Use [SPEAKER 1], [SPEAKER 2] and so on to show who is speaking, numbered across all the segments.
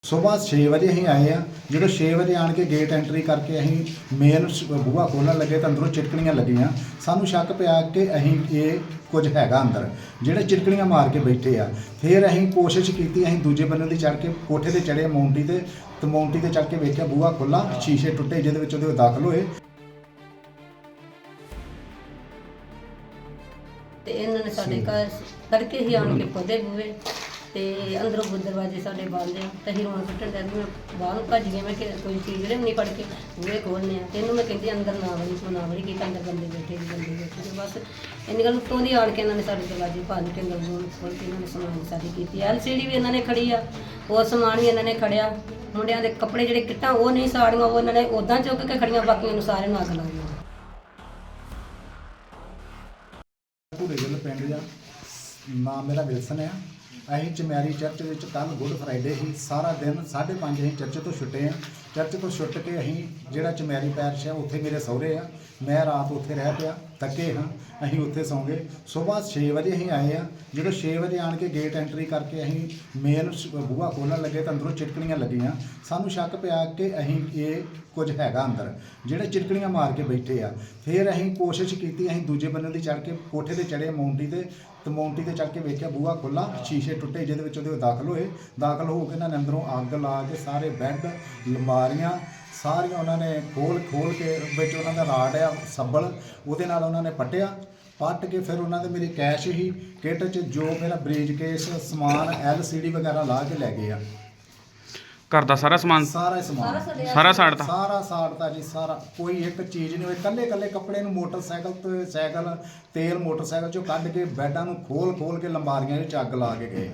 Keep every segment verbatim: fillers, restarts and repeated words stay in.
[SPEAKER 1] ਸੁਬਾਹ ਛੇ ਵਜੇ ਅਸੀਂ ਆਏ ਆ। ਜਦੋਂ ਛੇ ਵਜੇ ਆਣ ਕੇ ਗੇਟ ਐਂਟਰੀ ਕਰਕੇ ਅਸੀਂ ਮੇਨ ਬੂਹਾ ਖੋਲ੍ਹਣ ਲੱਗੇ ਤਾਂ ਅੰਦਰੋਂ ਚਿਟਕਣੀਆਂ ਲੱਗੀਆਂ। ਸਾਨੂੰ ਸ਼ੱਕ ਪਿਆ ਕਿ ਅਸੀਂ ਇਹ ਕੁਝ ਹੈਗਾ ਅੰਦਰ, ਜਿਹੜੇ ਚਿਟਕਣੀਆਂ ਮਾਰ ਕੇ ਬੈਠੇ ਆ। ਫਿਰ ਅਸੀਂ ਕੋਸ਼ਿਸ਼ ਕੀਤੀ, ਅਸੀਂ ਦੂਜੇ ਬੰਨੇ ਦੀ ਚੜ੍ਹ ਕੇ ਕੋਠੇ 'ਤੇ ਚੜ੍ਹੇ ਮੌਂਟੀ 'ਤੇ ਤੇ ਮੌਂਟੀ 'ਤੇ ਚੜ੍ਹ ਕੇ ਵੇਖਿਆ ਬੂਹਾ ਖੁੱਲ੍ਹਾ, ਸ਼ੀਸ਼ੇ ਟੁੱਟੇ ਜਿਹਦੇ ਵਿੱਚ ਉਹਦੇ ਦਾਖਲ ਹੋਏ।
[SPEAKER 2] ਤੇ ਇਹਨਾਂ ਨੇ ਸਾਡੇ ਘਰ ਤੜਕੇ ਹੀ ਆਣ ਕੇ ਖੋਦੇ ਬੂਹੇ ਤੇ ਅੰਦਰੋਂ ਦਰਵਾਜ਼ੇ ਸਾਡੇ ਬੰਦ ਆ ਤੇ ਅਸੀਂ ਰੋਣ ਸੁੱਟਣ ਡਿਆ ਵੀ ਮੈਂ ਬਾਹਰ ਨੂੰ ਭੱਜ ਗਈ। ਮੈਂ ਕਿ ਕੋਈ ਚੀਜ਼ ਨਹੀਂ ਫੜ ਕੇ ਬੂਹੇ ਖੋਲ੍ਹਣੇ ਆ ਤੇ ਇਹਨੂੰ ਮੈਂ ਕਹਿੰਦੀ ਅੰਦਰ ਨਾ ਵੜੀ ਤੂੰ ਨਾ ਵੜੀ, ਕੀ ਅੰਦਰ ਬੰਦੇ ਬੈਠੇ ਜੀ ਬੰਦੇ ਬੈਠੇ ਤੇ ਬਸ ਇੰਨੀ ਗੱਲ ਉੱਤੋਂ ਦੀ ਆਣ ਕੇ ਇਹਨਾਂ ਨੇ ਸਾਡੇ ਦਰਵਾਜ਼ੇ ਭੰਨ ਕੇ ਅੰਦਰ ਰੂਮ ਖੋਲ੍ਹ ਕੇ ਇਹਨਾਂ ਨੇ ਸਮਾਨ ਸਾਡੀ ਕੀਤੀ। ਐਲ ਸੀ ਡੀ ਵੀ ਇਹਨਾਂ ਨੇ ਖੜੀ ਆ, ਉਹ ਸਮਾਨ ਵੀ ਇਹਨਾਂ ਨੇ ਖੜਿਆ। ਮੁੰਡਿਆਂ ਦੇ ਕੱਪੜੇ ਜਿਹੜੇ ਕਿੱਟਾਂ ਉਹ ਨਹੀਂ ਸਾੜੀਆਂ, ਉਹ ਇਹਨਾਂ ਨੇ ਉੱਦਾਂ ਚੁੱਕ ਕੇ ਖੜੀਆਂ, ਬਾਕੀਆਂ ਨੂੰ ਸਾਰਿਆਂ ਨੂੰ ਅੱਗ ਲਾ ਦਿੱਤੀ।
[SPEAKER 1] ਭੂਰੇ ਗਿੱਲ ਪਿੰਡ ਜਾ, ਨਾਮ ਮੇਰਾ ਵਿਲਸਨ ਆ। ਅਸੀਂ ਚਮੈਰੀ ਚਰਚ ਵਿੱਚ ਕੱਲ੍ਹ ਗੁੱਡ ਫਰਾਈਡੇ ਸੀ, ਸਾਰਾ ਦਿਨ ਸਾਢੇ ਪੰਜ ਅਸੀਂ ਚਰਚ ਤੋਂ ਛੁੱਟੇ ਹਾਂ। ਚਰਚ ਤੋਂ ਛੁੱਟ ਕੇ ਅਸੀਂ ਜਿਹੜਾ ਚਮੈਰੀ ਪੈਰਸ਼ ਆ ਉੱਥੇ ਮੇਰੇ ਸਹੁਰੇ ਆ, ਮੈਂ ਰਾਤ ਉੱਥੇ ਰਹਿ ਪਿਆ, ਥੱਕੇ ਹਾਂ, ਅਸੀਂ ਉੱਥੇ ਸੌਂ ਗਏ। ਸੁਬਾਹ ਛੇ ਵਜੇ ਅਸੀਂ ਆਏ ਆ। ਜਦੋਂ ਛੇ ਵਜੇ ਆਣ ਕੇ ਗੇਟ ਐਂਟਰੀ ਕਰਕੇ ਅਸੀਂ ਮੇਨ ਬੂਹਾ ਖੋਲ੍ਹਣ ਲੱਗੇ ਤਾਂ ਅੰਦਰੋਂ ਚਿਟਕਣੀਆਂ ਲੱਗੀਆਂ। ਸਾਨੂੰ ਸ਼ੱਕ ਪਿਆ ਕਿ ਅਸੀਂ ਇਹ ਕੁਝ ਹੈਗਾ ਅੰਦਰ, ਜਿਹੜੇ ਚਿਟਕਣੀਆਂ ਮਾਰ ਕੇ ਬੈਠੇ ਆ। ਫਿਰ ਅਸੀਂ ਕੋਸ਼ਿਸ਼ ਕੀਤੀ, ਅਸੀਂ ਦੂਜੇ ਬੰਨੇ ਦੀ ਚੜ੍ਹ ਕੇ ਕੋਠੇ 'ਤੇ ਚੜ੍ਹੇ ਮੌਂਟੀ 'ਤੇ ਤੇ ਮੌਂਟੀ 'ਤੇ ਚੜ੍ਹ ਕੇ ਵੇਖਿਆ ਬੂਹਾ ਖੁੱਲ੍ਹਾ, ਸ਼ੀਸ਼ੇ ਟੁੱਟੇ ਜਿਹਦੇ ਵਿੱਚ ਉਹਦੇ ਦਾਖਲ ਹੋਏ। ਦਾਖਲ ਹੋ ਕੇ ਇਹਨਾਂ ਨੇ ਅੰਦਰੋਂ ਅੱਗ ਲਾ ਕੇ ਸਾਰੇ ਬੈੱਡ, ਅਲਮਾਰੀਆਂ ਸਾਰੀਆਂ ਉਹਨਾਂ ਨੇ ਖੋਲ ਖੋਲ ਕੇ ਵਿੱਚ ਉਹਨਾਂ ਦਾ ਰਾਡ ਆ ਸੱਬਲ, ਉਹਦੇ ਨਾਲ ਉਹਨਾਂ ਨੇ ਪੱਟਿਆ। ਪੱਟ ਕੇ ਫਿਰ ਉਹਨਾਂ ਦੇ ਮੇਰੇ ਕੈਸ਼ ਹੀ ਕਿੱਟ 'ਚ ਜੋ ਮੇਰਾ ਬਰੀਜ ਕੇਸ ਸਮਾਨ ਐਲ ਸੀ ਡੀ ਵਗੈਰਾ ਲਾ ਕੇ ਲੈ ਗਏ ਆ।
[SPEAKER 3] ਘਰ ਦਾ ਸਾਰਾ ਸਮਾਨ
[SPEAKER 1] ਸਾਰਾ ਸਮਾਨ
[SPEAKER 3] ਸਾਰਾ ਸਾੜਤਾ
[SPEAKER 1] ਸਾਰਾ ਸਾੜਤਾ ਜੀ, ਸਾਰਾ ਕੋਈ ਇੱਕ ਚੀਜ਼ ਨਹੀਂ ਹੋਈ। ਕੱਲੇ ਕੱਲੇ ਕੱਪੜੇ ਨੂੰ ਮੋਟਰਸਾਈਕਲ ਤੇ ਸਾਈਕਲ ਤੇਲ ਮੋਟਰਸਾਈਕਲ 'ਚੋਂ ਕੱਢ ਕੇ ਬੈੱਡਾਂ ਨੂੰ ਖੋਲ ਖੋਲ ਕੇ ਲੰਬਾਰੀਆਂ ਵਿੱਚ ਅੱਗ ਲਾ ਕੇ ਗਏ।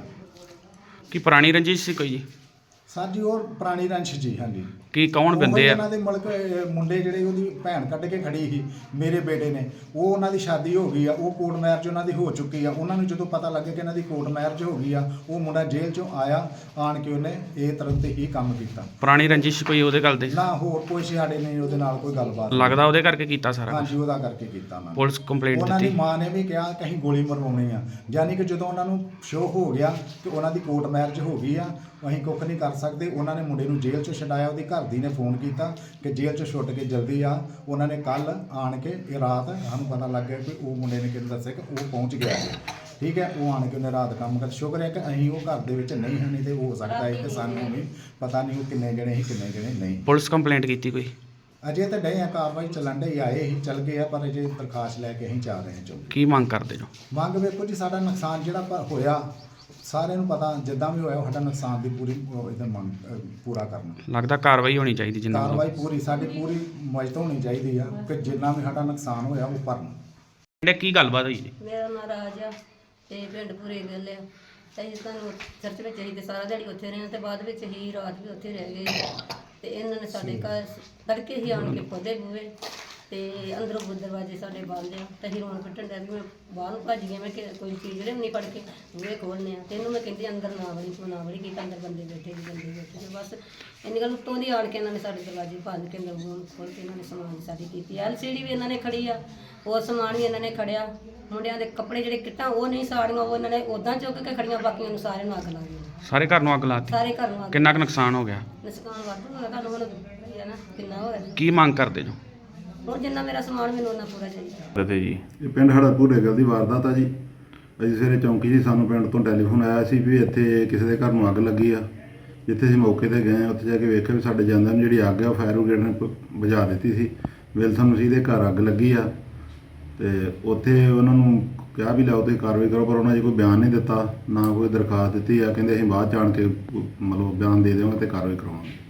[SPEAKER 3] ਕੀ ਪੁਰਾਣੀ ਰੰਜਿਸ਼ ਸੀ ਕੋਈ ਜੀ?
[SPEAKER 1] ਸਰ ਜੀ ਉਹ ਪੁਰਾਣੀ ਰੰਸ਼ ਜੀ। ਹਾਂਜੀ।
[SPEAKER 3] ਕੀ ਕੌਣ ਬੰਦੇ ਆ?
[SPEAKER 1] ਉਹਨਾਂ ਦੇ ਮੁਲਕ ਮੁੰਡੇ ਜਿਹੜੇ ਉਹਦੀ ਭੈਣ ਕੱਢ ਕੇ ਖੜੀ ਸੀ ਮੇਰੇ ਬੇਟੇ ਨੇ, ਉਹ ਉਹਨਾਂ ਦੀ ਸ਼ਾਦੀ ਹੋ ਗਈ ਆ, ਉਹ ਕੋਰਟ ਮੈਰਿਜ ਉਹਨਾਂ ਦੀ ਹੋ ਚੁੱਕੀ ਆ। ਉਹਨਾਂ ਨੂੰ ਜਦੋਂ ਪਤਾ ਲੱਗਿਆ ਕਿ ਇਹਨਾਂ ਦੀ ਕੋਰਟ ਮੈਰਿਜ ਹੋ ਗਈ ਆ, ਉਹ ਮੁੰਡਾ ਜੇਲ੍ਹ 'ਚੋਂ ਆਇਆ, ਆਣ ਕੇ ਉਹਨੇ ਇਹ ਤਰ੍ਹਾਂ ਤੇ ਹੀ ਕੰਮ ਕੀਤਾ।
[SPEAKER 3] ਪੁਰਾਣੀ ਰੰਜਿਸ਼ ਕੋਈ ਉਹਦੇ ਗੱਲ ਦੇ?
[SPEAKER 1] ਨਾ ਹੋਰ ਕੋਈ ਸਾਡੇ ਨਹੀਂ ਉਹਦੇ ਨਾਲ ਕੋਈ ਗੱਲਬਾਤ।
[SPEAKER 3] ਲੱਗਦਾ ਉਹਦੇ ਕਰਕੇ ਕੀਤਾ ਸਾਰਾ?
[SPEAKER 1] ਹਾਂਜੀ, ਉਹਦਾ ਕਰਕੇ ਕੀਤਾ ਉਹਨਾਂ ਨੇ।
[SPEAKER 3] ਪੁਲਿਸ ਕੰਪਲੇਂਟ
[SPEAKER 1] ਉਹਨਾਂ ਦੀ
[SPEAKER 3] ਦਿੱਤੀ?
[SPEAKER 1] ਮਾਂ ਨੇ ਵੀ ਕਿਹਾ ਕਿ ਅਸੀਂ ਗੋਲੀ ਮਰਵਾਉਣੀ ਆ। ਯਾਨੀ ਕਿ ਜਦੋਂ ਉਹਨਾਂ ਨੂੰ ਸ਼ੋਅ ਹੋ ਗਿਆ ਕਿ ਉਹਨਾਂ ਦੀ ਕੋਰਟ ਮੈਰਿਜ ਹੋ ਗਈ ਆ, ਅਸੀਂ ਕੁੱਖ ਨਹੀਂ ਕਰ ਸਕਦੇ। ਉਹਨਾਂ ਨੇ ਮੁੰਡੇ ਨੂੰ ਜੇਲ੍ਹ 'ਚੋਂ ਛਡਾਇਆ। ਉਹਦੀ ਘਰ ਦੀ ਨੇ ਫੋਨ ਕੀਤਾ ਕਿ ਜੇਲ੍ਹ 'ਚੋਂ ਛੁੱਟ ਕੇ ਜਲਦੀ ਆ। ਉਹਨਾਂ ਨੇ ਕੱਲ੍ਹ ਆਣ ਕੇ ਇਹ ਰਾਤ ਸਾਨੂੰ ਪਤਾ ਲੱਗ ਗਿਆ ਕਿ ਉਹ ਮੁੰਡੇ ਨੇ ਕਿਹਨੂੰ ਦੱਸਿਆ ਕਿ ਉਹ ਪਹੁੰਚ ਗਿਆ ਹੈ। ਠੀਕ ਹੈ, ਉਹ ਆਣ ਕੇ ਉਹਨੇ ਰਾਤ ਕੰਮ ਕਰ। ਸ਼ੁਕਰ ਹੈ ਕਿ ਅਸੀਂ ਉਹ ਘਰ ਦੇ ਵਿੱਚ ਨਹੀਂ ਹਾਂ, ਨਹੀਂ ਤੇ ਹੋ ਸਕਦਾ ਹੈ ਕਿ ਸਾਨੂੰ ਵੀ ਪਤਾ ਨਹੀਂ ਉਹ ਕਿੰਨੇ ਜਣੇ ਸੀ ਕਿੰਨੇ ਜਣੇ ਨਹੀਂ।
[SPEAKER 3] ਪੁਲਿਸ ਕੰਪਲੇਂਟ ਕੀਤੀ ਕੋਈ?
[SPEAKER 1] ਅਜੇ ਤਾਂ ਡਏ ਆ, ਕਾਰਵਾਈ ਚੱਲਣ ਡਈ, ਆਏ ਹੀ ਚੱਲ ਗਏ ਆ, ਪਰ ਅਜੇ ਦਰਖਾਸਤ ਲੈ ਕੇ ਅਸੀਂ ਜਾ ਰਹੇ ਹਾਂ ਚੌਂਕੀ।
[SPEAKER 3] ਕੀ ਮੰਗ ਕਰਦੇ ਜੋ?
[SPEAKER 1] ਮੰਗ ਵੇਖੋ ਜੀ, ਸਾਡਾ ਨੁਕਸਾਨ ਜਿਹੜਾ ਪਰ ਹੋਇਆ ਸਾਰਿਆਂ ਨੂੰ ਪਤਾ, ਜਿੱਦਾਂ ਵੀ ਹੋਇਆ ਸਾਡਾ ਨੁਕਸਾਨ ਦੀ ਪੂਰੀ ਇਹਦਾ ਮੰਗ ਪੂਰਾ ਕਰਨਾ।
[SPEAKER 3] ਲੱਗਦਾ ਕਾਰਵਾਈ ਹੋਣੀ ਚਾਹੀਦੀ ਜਿੰਨਾ
[SPEAKER 1] ਕਾਰਵਾਈ ਪੂਰੀ ਸਾਡੀ ਪੂਰੀ ਮਜ਼ਤ ਹੋਣੀ ਚਾਹੀਦੀ ਆ ਕਿ ਜਿੰਨਾ ਵੀ ਸਾਡਾ ਨੁਕਸਾਨ ਹੋਇਆ ਉਹ ਭਰਨ।
[SPEAKER 3] ਜਿਹੜੇ ਕੀ ਗੱਲਬਾਤ ਹੋਈ ਜੀ?
[SPEAKER 2] ਮੇਰਾ ਨਾਂ ਰਾਜ ਆ ਤੇ ਪਿੰਡ ਭੂਰੇ ਗਿੱਲ ਆ। ਤੇ ਅਸੀਂ ਤੁਹਾਨੂੰ ਚਰਚ ਵਿੱਚ ਹੀ ਤੇ ਸਾਰਾ ਦਿਹਾੜੀ ਉੱਥੇ ਰਹੇ ਤੇ ਬਾਅਦ ਵਿੱਚ ਹੀ ਰਾਤ ਵੀ ਉੱਥੇ ਰਹਿ ਗਏ। ਤੇ ਇਹਨਾਂ ਨੇ ਸਾਡੇ ਘਰ ਤੜਕੇ ਹੀ ਆਣ ਕੇ ਖੋਦੇ ਬੂਹੇ ਤੇ ਅੰਦਰੋਂ ਦਰਵਾਜ਼ੇ ਸਾਡੇ ਬੰਦ ਆ ਤੇ ਅਸੀਂ ਰੋਣ ਸੁੱਟਣ ਡਿਆ ਵੀ ਮੈਂ ਬਾਹਰ ਨੂੰ ਭੱਜ ਗਈ। ਮੈਂ ਕਿ ਕੋਈ ਚੀਜ਼ ਨਹੀਂ ਫੜ ਕੇ ਬੂਹੇ ਖੋਲ੍ਹਣੇ ਆ ਤੇ ਇਹਨੂੰ ਮੈਂ ਕਹਿੰਦੀ ਅੰਦਰ ਨਾ ਵੜੀ ਤੂੰ ਨਾ ਵੜੀ, ਕੀ ਅੰਦਰ ਬੰਦੇ ਬੈਠੇ ਜੀ ਬੰਦੇ ਬੈਠੇ ਤੇ ਬਸ ਇੰਨੀ ਗੱਲ ਉੱਤੋਂ ਦੀ ਆਣ ਕੇ ਇਹਨਾਂ ਨੇ ਸਾਡੇ ਦਰਵਾਜ਼ੇ ਭੰਨ ਕੇ ਅੰਦਰ ਰੂਮ ਖੋਲ੍ਹ ਕੇ ਇਹਨਾਂ ਨੇ ਸਮਾਨ ਸਾਡੀ ਕੀਤੀ। ਐਲ ਸੀ ਡੀ ਵੀ ਇਹਨਾਂ ਨੇ ਖੜੀ ਆ, ਉਹ ਸਮਾਨ ਵੀ ਇਹਨਾਂ ਨੇ ਖੜਿਆ। ਮੁੰਡਿਆਂ ਦੇ ਕੱਪੜੇ ਜਿਹੜੇ ਕਿੱਟਾਂ ਉਹ ਨਹੀਂ ਸਾੜੀਆਂ, ਉਹ ਇਹਨਾਂ ਨੇ ਉੱਦਾਂ ਚੁੱਕ ਕੇ ਖੜੀਆਂ, ਬਾਕੀਆਂ ਨੂੰ ਸਾਰਿਆਂ ਨੂੰ ਅੱਗ ਲਾ ਦਿੱਤੀ।
[SPEAKER 3] ਸਾਰੇ ਘਰ ਨੂੰ ਅੱਗ ਲਾਤੀ?
[SPEAKER 2] ਸਾਰੇ ਘਰ ਨੂੰ ਅੱਗ।
[SPEAKER 3] ਕਿੰਨਾ ਕੁ ਨੁਕਸਾਨ ਹੋ ਗਿਆ?
[SPEAKER 2] ਨੁਕਸਾਨ ਵਾਧੂ ਹੋਇਆ, ਤੁਹਾਨੂੰ ਹੁਣ ਹੈ ਨਾ ਕਿੰਨਾ ਹੋਇਆ।
[SPEAKER 3] ਕੀ ਮੰਗ ਕਰਦੇ ਜੋ?
[SPEAKER 2] ਹੁਣ ਜਿੰਨਾ ਮੇਰਾ ਸਮਾਨ ਮੈਨੂੰ ਉਹਨਾਂ ਪੂਰਾ ਚਾਹੀਦਾ।
[SPEAKER 3] ਤੇ ਜੀ
[SPEAKER 4] ਇਹ ਪਿੰਡ ਸਾਡਾ ਭੂਰੇ ਗਿੱਲ ਦੀ ਵਾਰਦਾਤ ਆ ਜੀ। ਅਸੀਂ ਸਵੇਰੇ ਚੌਂਕੀ ਜੀ, ਸਾਨੂੰ ਪਿੰਡ ਤੋਂ ਟੈਲੀਫੋਨ ਆਇਆ ਸੀ ਵੀ ਇੱਥੇ ਕਿਸੇ ਦੇ ਘਰ ਨੂੰ ਅੱਗ ਲੱਗੀ ਆ। ਜਿੱਥੇ ਅਸੀਂ ਮੌਕੇ 'ਤੇ ਗਏ, ਉੱਥੇ ਜਾ ਕੇ ਵੇਖਿਆ ਵੀ ਸਾਡੇ ਜਾਂਦਿਆਂ ਨੂੰ ਜਿਹੜੀ ਅੱਗ ਆ ਉਹ ਫਾਇਰ ਬ੍ਰਿਗੇਡ ਨੇ ਬੁਝਾ ਦਿੱਤੀ ਸੀ। ਵਿਲਸਨ ਮਸੀਹ ਦੇ ਘਰ ਅੱਗ ਲੱਗੀ ਆ ਤੇ ਉੱਥੇ ਉਹਨਾਂ ਨੂੰ ਕਿਹਾ ਵੀ ਲਿਆਓ ਤੁਸੀਂ ਕਾਰਵਾਈ ਕਰੋ, ਪਰ ਉਹਨਾਂ ਨੇ ਕੋਈ ਬਿਆਨ ਨਹੀਂ ਦਿੱਤਾ, ਨਾ ਕੋਈ ਦਰਖਾਸਤ ਦਿੱਤੀ ਆ। ਕਹਿੰਦੇ ਅਸੀਂ ਬਾਅਦ 'ਚ ਆਣ ਕੇ ਮਤਲਬ ਬਿਆਨ ਦੇ ਦੇਵਾਂਗੇ ਅਤੇ ਕਾਰਵਾਈ ਕਰਵਾਵਾਂਗੇ।